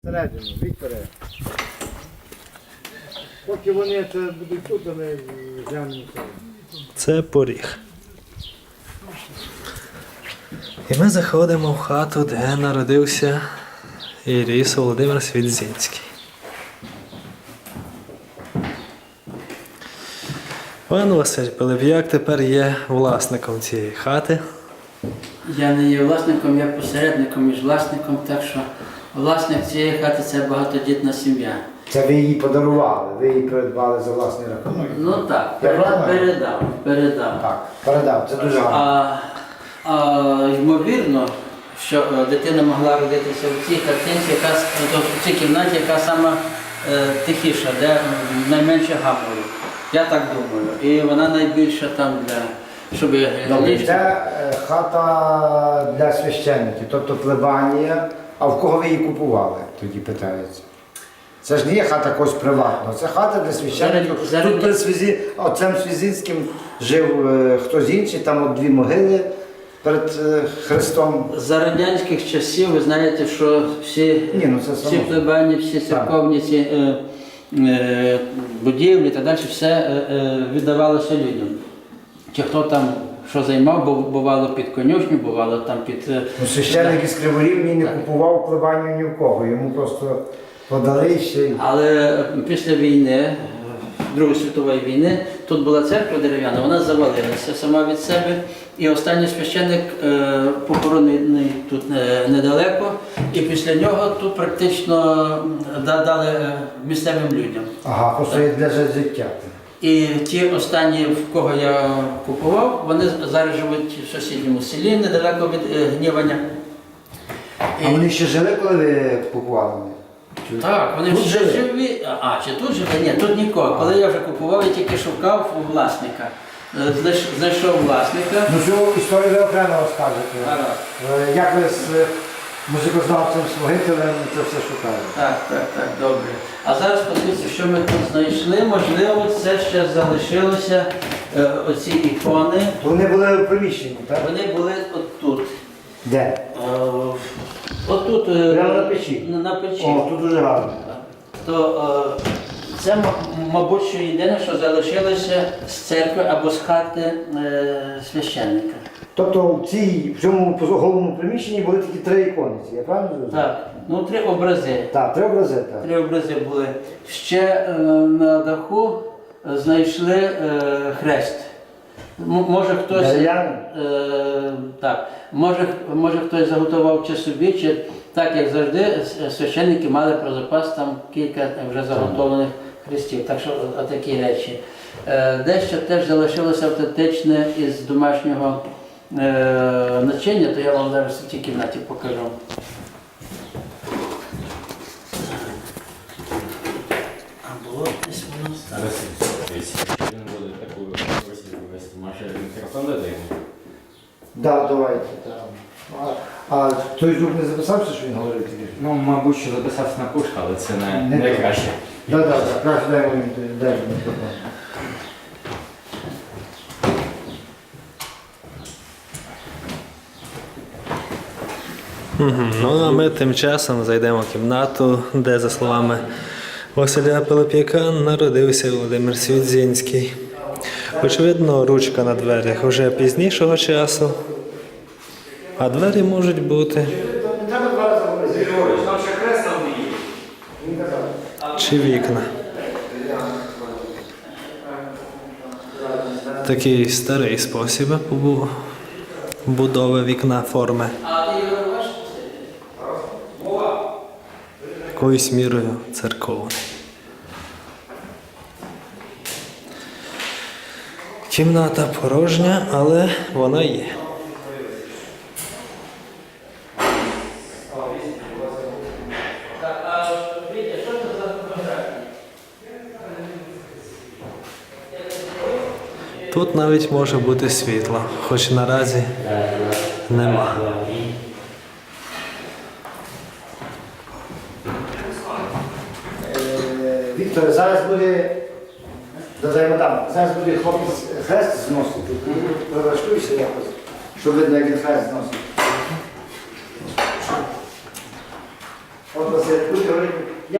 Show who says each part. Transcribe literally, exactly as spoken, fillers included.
Speaker 1: Всередину, Вікторе. Поки вони це будуть тут, а ми глянемо.
Speaker 2: Це поріг. І ми заходимо в хату, де народився і ріс Володимир Свідзінський. Пан Василь Пилип'як тепер є власником цієї хати.
Speaker 3: Я не є власником, я посередником між власником, так що власник цієї хати – це багатодітна сім'я.
Speaker 1: Це ви її подарували, ви її придбали за власний рахунок?
Speaker 3: Ну так,
Speaker 1: Я
Speaker 3: передав,
Speaker 1: правильно?
Speaker 3: передав, передав.
Speaker 1: Так, передав, це дуже гарно.
Speaker 3: А, а ймовірно, що е, дитина могла родитися в цій хатинці, яка, с- тобто в цій кімнаті, яка сама е, тихіша, де м, найменше гамору. Я так думаю. І вона найбільша там для, щоб
Speaker 1: Добре,
Speaker 3: ліжко-
Speaker 1: це е, хата для священників, тобто плебанія. А в кого ви її купували, тоді питається? Це ж не є хата когось приватного, це хата для священників.
Speaker 3: Зараз- зараз-
Speaker 1: Тут перед Свізі... отцем Свізінським жив е, хтось інший, там от дві могили перед е, Христом.
Speaker 3: За радянських часів ви знаєте, що всі,
Speaker 1: Ні, ну це
Speaker 3: всі
Speaker 1: само.
Speaker 3: плебані, всі церковні ці, е, е, будівлі та далі все е, е, віддавалося людям. Чи хто там що займав, бо бувало під конюшню, бувало там під... е,
Speaker 1: Ну, священник із Криворівні не купував плебанію ні в кого, йому просто подали ще й.
Speaker 3: Але після війни, е, Другої світової війни, тут була церква дерев'яна, вона завалилася сама від себе. І останній священник е, похоронений тут е, недалеко. І після нього тут практично да- дали е, місцевим людям.
Speaker 1: Ага, просто є для життя.
Speaker 3: І ті останні, в кого я купував, вони зараз живуть в сусідньому селі, недалеко від е, Гніваня.
Speaker 1: А вони ще жили, коли ви купували? Чи-
Speaker 3: Так, вони
Speaker 1: Тут
Speaker 3: всі
Speaker 1: жили?
Speaker 3: живі. А, чи тут живе? Ні, тут нікого. Коли я вже купував, я тільки шукав у власника. Е, знайш- Знайшов власника.
Speaker 1: Ну цю історію ви окремо розкажете.
Speaker 3: Гаразд.
Speaker 1: Е, Як ви з е, музикознавцем Слугителем це все шукали?
Speaker 3: Так, так, так, добре. А зараз подивіться, що ми тут знайшли. Можливо, це ще залишилося, е, оці ікони.
Speaker 1: То вони були в приміщенні, так?
Speaker 3: Вони були отут.
Speaker 1: Де?
Speaker 3: Е, Отут. е,
Speaker 1: Прямо на печі?
Speaker 3: На, на печі.
Speaker 1: О, тут дуже гарно.
Speaker 3: То е, це, м- мабуть, що єдине, що залишилося з церкви або з хати е, священника.
Speaker 1: Тобто в цій, в цьому головному приміщенні були тільки три ікониці, я правильно зрозумів?
Speaker 3: Так, ну три образи.
Speaker 1: Так, три образи, так.
Speaker 3: Три образи були. Ще е, на даху е, знайшли е, хрест. М- може хтось,
Speaker 1: Дерев'яний?
Speaker 3: е, так, може, може хтось заготував чи собі, чи так як завжди, с- священники мали про запас там кілька вже заготовлених хрестів. Так що о- отакі речі. Е, дещо теж залишилося автентичне із домашнього е, начиння, то я вам зараз в цій кімнаті покажу. А було десь воно стало.
Speaker 4: Він буде таку російську вести. Може мікрофон дати йому?
Speaker 1: Так, давайте. Так. А, а той звук не записався, що він говорив тільки?
Speaker 4: Ну, мабуть, що записався на пушку, але це не,
Speaker 1: Не
Speaker 4: не
Speaker 1: так.
Speaker 4: краще.
Speaker 1: Так, так, так, краще дай мені дай мені мікрофон.
Speaker 2: Мгм. Ну а ми тим часом зайдемо в кімнату, де, за словами Василя Пилип'яка, народився Володимир Свідзінський. Очевидно, ручка на дверях вже пізнішого часу, а двері можуть бути чи вікна. Такий старий спосіб побу- будови вікна форми.
Speaker 3: А ти його бачиш?
Speaker 2: Якоюсь мірою церковний. Кімната порожня, але вона є.
Speaker 3: Так, а Вітя, що це за фотографії?
Speaker 2: Тут навіть може бути світло, хоч наразі нема.
Speaker 1: Е, Вікторе, зараз буде, додаємо там, зараз буде хлопець хрест зносити. Прилаштуйся якось, щоб видно, як він хрест зносить. От Василь, тут гривень.